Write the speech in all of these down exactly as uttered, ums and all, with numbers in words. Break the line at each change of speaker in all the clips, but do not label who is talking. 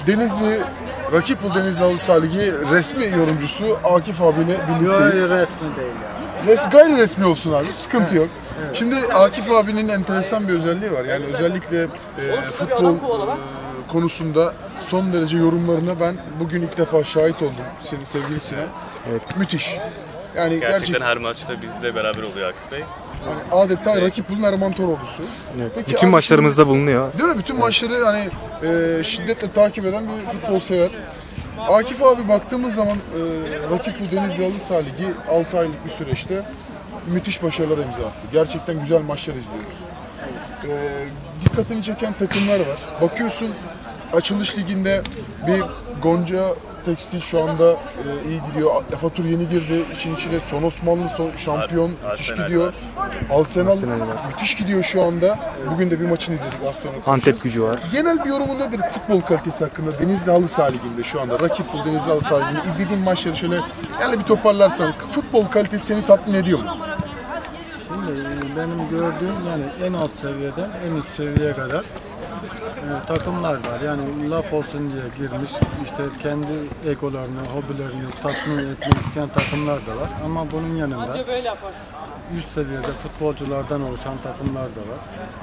Denizli, Rakipul Denizli Halı Saha Ligi resmi yorumcusu Akif abiyle birlikteyiz.
Yok, resmi değil ya.
Res, gayri resmi olsun abi, sıkıntı
evet.
yok.
Evet.
Şimdi Akif abinin enteresan bir özelliği var. Yani özellikle e, futbol e, konusunda son derece yorumlarına ben bugün ilk defa şahit oldum senin sevgili Sinan.
Evet.
Müthiş. Yani
gerçekten
gerçek,
her maçta bizle beraber oluyor Akif Bey.
yani adeta evet. Rakipul'un Erman Toroğlu'su.
Evet.
Peki,
bütün maçlarımızda bulunuyor.
Değil mi? Bütün evet. maçları hani e, şiddetle takip eden bir futbol sever. Akif abi baktığımız zaman e, Rakipul Denizli Halı Saha Ligi altı aylık bir süreçte müthiş başarılar imza attı. Gerçekten güzel maçlar izliyoruz. E, dikkatini çeken takımlar var. Bakıyorsun açılış liginde bir Gonca Tekstil şu anda e, iyi gidiyor. Afatur yeni girdi. İçin içine Son Osmanlı son, şampiyon
Ar
müthiş
Arsenal
gidiyor. Arsenal,
Arsenal
müthiş gidiyor şu anda. Bugün de bir maçını izledik az sonra.
Antep Gücü var.
Genel bir yorumun nedir futbol kalitesi hakkında Denizli Halı Saha Ligi'nde şu anda? Rakipul Denizli Halı Saha Ligi'nde izlediğin maçları şöyle yani bir toparlarsan futbol kalitesi seni tatmin ediyor mu?
Şimdi benim gördüğüm yani en alt seviyeden en üst seviyeye kadar e, takımlar var. Yani laf olsun diye girmiş, işte kendi egolarını, hobilerini tatmin etmek isteyen takımlar da var. Ama bunun yanında üst seviyede futbolculardan oluşan takımlar da var.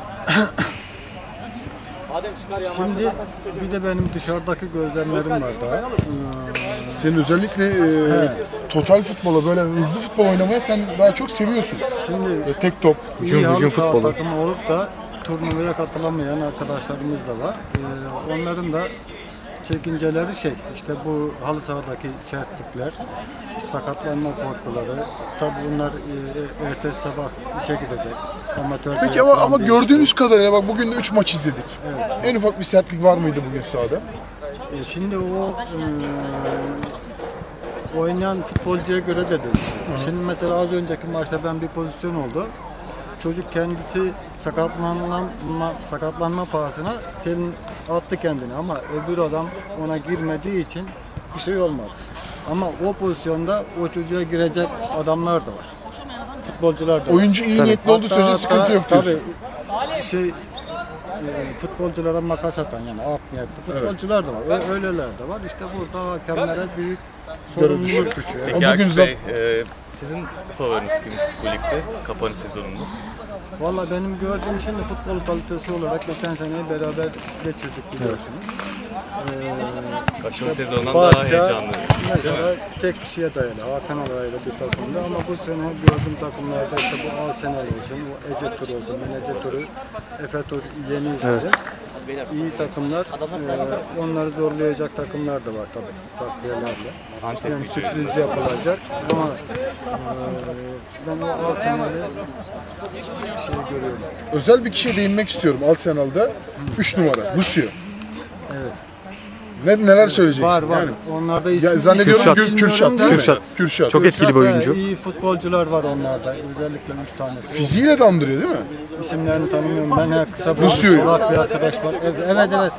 Şimdi bir de benim dışarıdaki gözlemlerim var daha. Ee,
Senin özellikle e, total futbola böyle hızlı futbol oynamaya sen daha çok seviyorsun.
Şimdi
ve tek top.
Hücum, hücum futbolu.
Takımı olup da turnuvaya katılamayan arkadaşlarımız da var. Ee, onların da çekinceleri şey, işte bu halı sahadaki sertlikler, sakatlanma korkuları. Tabii bunlar e, ertesi sabah işe gidecek. Amatör
Peki ama, ama gördüğünüz kadarıyla bak bugün de üç maç izledik. Evet. En ufak bir sertlik var mıydı bugün sahada?
E şimdi o e, oynayan futbolcuya göre de değişiyor. Şimdi mesela az önceki maçta ben bir pozisyon oldu. Çocuk kendisi sakatlanma, sakatlanma pahasına attı kendini ama öbür adam ona girmediği için bir şey olmadı. Ama o pozisyonda o çocuğa girecek adamlar da var. Futbolcular da var.
Oyuncu iyi niyetli olduğu sürece sıkıntı yok diyorsun.
Tabii şey e, futbolculara makas atan yani art niyetli futbolcular evet. da var. Öyleler de var. İşte burada hakemlere büyük sorumluluk düşüyor.
Peki Akif Bey, e, sizin favoriniz kim bu ligde kapanış sezonunda?
Valla benim gördüğüm şimdi futbol kalitesi olarak geçen seneyi beraber geçirdik biliyorsunuz. Ee,
Kaçın işte sezondan daha heyecanlı.
Mesela tek kişiye dayalı, Hakan Alay'la bir takımda ama bu sene gördüğüm takımlarda işte bu Arsenal olsun, bu Ece Tur olsun, ben Ece Tur'u, Efe Tur yeni izledim. Evet. İyi takımlar, e, onları zorlayacak takımlar da var tabii takviyelerle. Yani sürpriz yapılacak ama e, ben o Arsenal'ı şey görüyorum.
Özel bir kişiye değinmek istiyorum Arsenal'da. üç numara, Lucio.
Evet.
Ne, neler söyleyeceksin?
Var var.
Yani,
onlarda ismi,
ya, zannediyorum
Kürşat.
Kürşat, Kürşat değil
Kürşat.
mi? Kürşat.
Çok etkili bir oyuncu.
İyi futbolcular var onlarda. Özellikle üç tanesi.
Fiziğiyle de andırıyor değil mi?
İsimlerini tanımıyorum. Ben her kısa bir
Lucio.
bir arkadaş var. Evet evet. evet.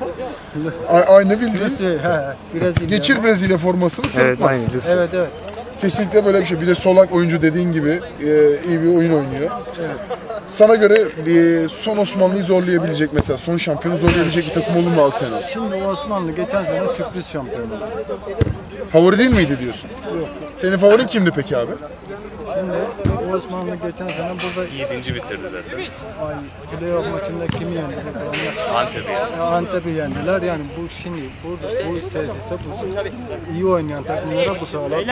A aynı bildiğin.
Brezilya.
Geçir Brezilya formasını sırıtmaz.
Evet, aynı.
Evet evet.
Kesinlikle böyle bir şey. Bir de solak oyuncu dediğin gibi e, iyi bir oyun oynuyor.
Evet.
Sana göre e, son Osmanlı'yı zorlayabilecek mesela, son şampiyonu zorlayabilecek bir takım olur mu Arsenal?
Şimdi Osmanlı geçen sene sürpriz şampiyon oldu.
Favori değil miydi diyorsun?
Yok.
Senin favorin kimdi peki abi?
Şimdi Osmanlı geçen sene burada
yedinci bitirdi zaten.
ay playoff maçında kimi yendi?
Antep'i yani.
Antep'i yendiler. Yani bu şimdi burada bu tesiste bu iyi oynayan takımlara bu sağlar.